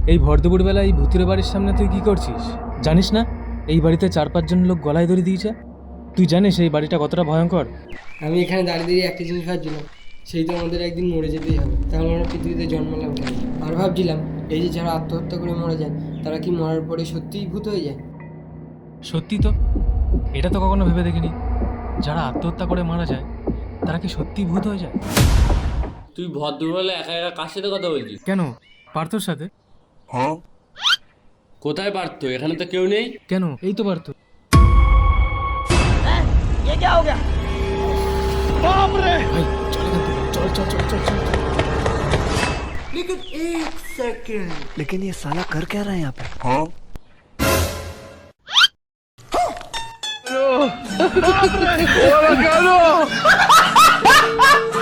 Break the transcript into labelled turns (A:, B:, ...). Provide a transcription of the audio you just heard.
A: এই ভর দুপুরবেলা এই ভূতের বাড়ির সামনে তুই কি করছিস? জানিস না এই বাড়িতে 4-5 জন লোক গলায় দড়ি দিয়েছে? তুই জানিস এই বাড়িটা কতটা ভয়ঙ্কর?
B: আমি এখানে দাঁড়িয়ে দাঁড়িয়ে একটা জিনিস ভাবছিলাম, সেই তো আমাদের একদিন মরে যেতেই হবে, তাহলে আমরা পৃথিবীতে জন্মালাম কেন? আর ভাবছিলাম, এই যে যারা আত্মহত্যা করে মারা যায়, তারা কি মরার পরে সত্যিই ভূত হয়ে যায়?
A: সত্যি তো, এটা তো কখনো ভেবে দেখিনি। যারা আত্মহত্যা করে মারা যায় তারা কি সত্যি ভূত হয়ে যায়?
C: তুই ভদ্রবেলা একা একা কার সাথে কথা বলছিস?
A: কেন, পার্থর সাথে।
C: কোথায় পারত? এখানে তো কেউ নেই।
A: কেন, এই তো পার্থ। ভাই চল এখান থেকে, চল চল চল চল চল।
D: लेकिन ये साला कर क्या रहा है यहाँ पे?
E: ¡Oh,